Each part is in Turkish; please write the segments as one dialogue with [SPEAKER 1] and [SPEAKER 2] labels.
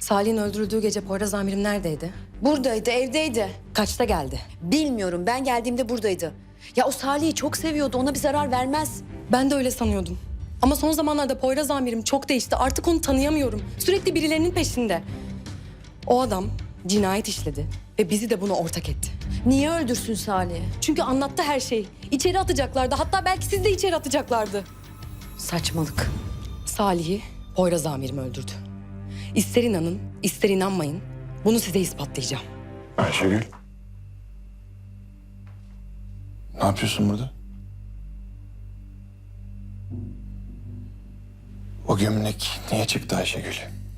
[SPEAKER 1] Salih'in öldürüldüğü gece Poyraz amirim neredeydi?
[SPEAKER 2] Buradaydı, evdeydi.
[SPEAKER 1] Kaçta geldi?
[SPEAKER 2] Bilmiyorum, ben geldiğimde buradaydı. Ya o Salih'i çok seviyordu, ona bir zarar vermez.
[SPEAKER 1] Ben de öyle sanıyordum. Ama son zamanlarda Poyraz amirim çok değişti. Artık onu tanıyamıyorum. Sürekli birilerinin peşinde. O adam cinayet işledi ve bizi de buna ortak etti.
[SPEAKER 2] Niye öldürsün Salih'i?
[SPEAKER 1] Çünkü anlattı her şeyi. İçeri atacaklardı. Hatta belki siz de içeri atacaklardı.
[SPEAKER 2] Saçmalık.
[SPEAKER 1] Salih'i Poyraz amirim öldürdü. İster inanın, ister inanmayın. Bunu size ispatlayacağım.
[SPEAKER 3] Ayşegül. Ne yapıyorsun burada? O gömlek niye çıktı Ayşegül?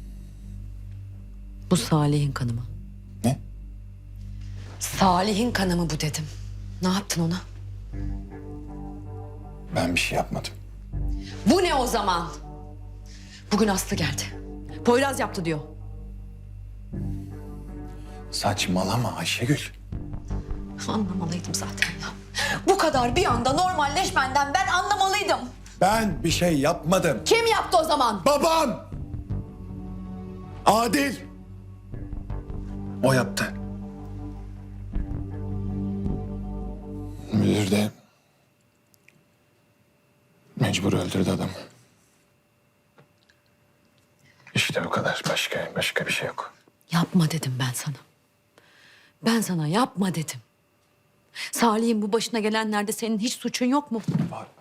[SPEAKER 2] Bu Salih'in kanı mı?
[SPEAKER 3] Ne?
[SPEAKER 2] Salih'in kanı mı bu dedim. Ne yaptın ona?
[SPEAKER 3] Ben bir şey yapmadım.
[SPEAKER 2] Bu ne o zaman? Bugün Aslı geldi. Poyraz yaptı diyor.
[SPEAKER 3] Saçmalama Ayşegül.
[SPEAKER 2] Anlamalıydım zaten ya. Bu kadar bir anda normalleşmenden ben anlamalıydım.
[SPEAKER 3] Ben bir şey yapmadım.
[SPEAKER 2] Kim yaptı o zaman?
[SPEAKER 3] Babam! Adil! O yaptı. Müdür de mecbur öldürdü adamı. İşte bu kadar. Başka bir şey yok.
[SPEAKER 2] Yapma dedim ben sana. Ben sana yapma dedim. Salih'in bu başına gelenlerde senin hiç suçun yok mu?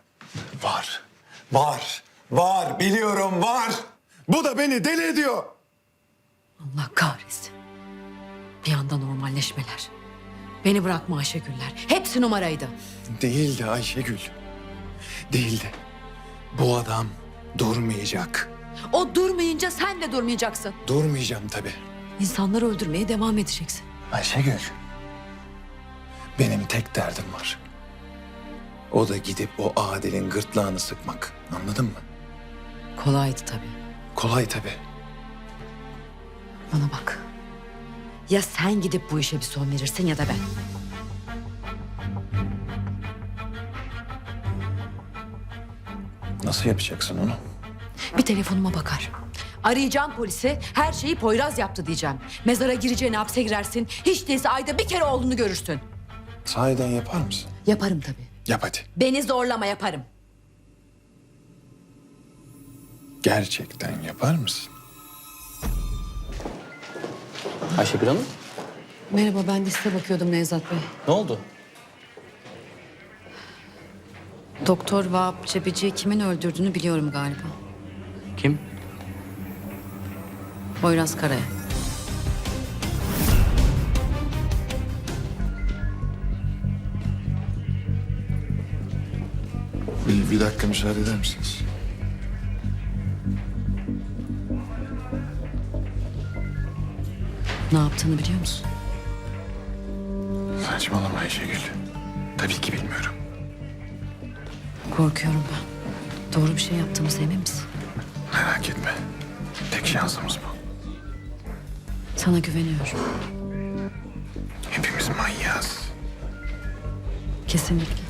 [SPEAKER 3] Var. Biliyorum var. Bu da beni deli ediyor.
[SPEAKER 2] Allah kahretsin. Bir anda normalleşmeler. Beni bırakma Ayşegüller. Hepsi numaraydı.
[SPEAKER 3] Değildi Ayşegül. Değildi. Bu adam durmayacak.
[SPEAKER 2] O durmayınca sen de durmayacaksın.
[SPEAKER 3] Durmayacağım tabii.
[SPEAKER 2] İnsanları öldürmeye devam edeceksin.
[SPEAKER 3] Ayşegül. Benim tek derdim var. O da gidip o Adil'in gırtlağını sıkmak. Anladın mı?
[SPEAKER 2] Kolaydı tabii.
[SPEAKER 3] Kolay tabii.
[SPEAKER 2] Bana bak. Ya sen gidip bu işe bir son verirsin ya da ben.
[SPEAKER 3] Nasıl yapacaksın onu?
[SPEAKER 2] Bir telefonuma bakar. Arayacağım polisi, her şeyi Poyraz yaptı diyeceğim. Mezara gireceğine hapse girersin. Hiç değilse ayda bir kere oğlunu görürsün.
[SPEAKER 3] Sahiden yapar mısın?
[SPEAKER 2] Yaparım tabii.
[SPEAKER 3] Yap hadi.
[SPEAKER 2] Beni zorlama yaparım.
[SPEAKER 3] Gerçekten yapar mısın?
[SPEAKER 4] Ayşegül Hanım,
[SPEAKER 2] Merhaba, ben de size bakıyordum Nevzat Bey.
[SPEAKER 4] ne oldu?
[SPEAKER 2] Doktor Vahap Cebeci'yi kimin öldürdüğünü biliyorum galiba.
[SPEAKER 4] Kim?
[SPEAKER 2] Poyraz Karaya.
[SPEAKER 3] Bir dakika müsaade eder misiniz?
[SPEAKER 2] Ne yaptığını biliyor musun?
[SPEAKER 3] Saçmalama Ayşegül. Tabii ki bilmiyorum.
[SPEAKER 2] Korkuyorum ben. Doğru bir şey yaptığımıza emin misin?
[SPEAKER 3] Merak etme. Tek şansımız bu.
[SPEAKER 2] Sana güveniyorum.
[SPEAKER 3] Hepimiz manyağız.
[SPEAKER 2] Kesinlikle.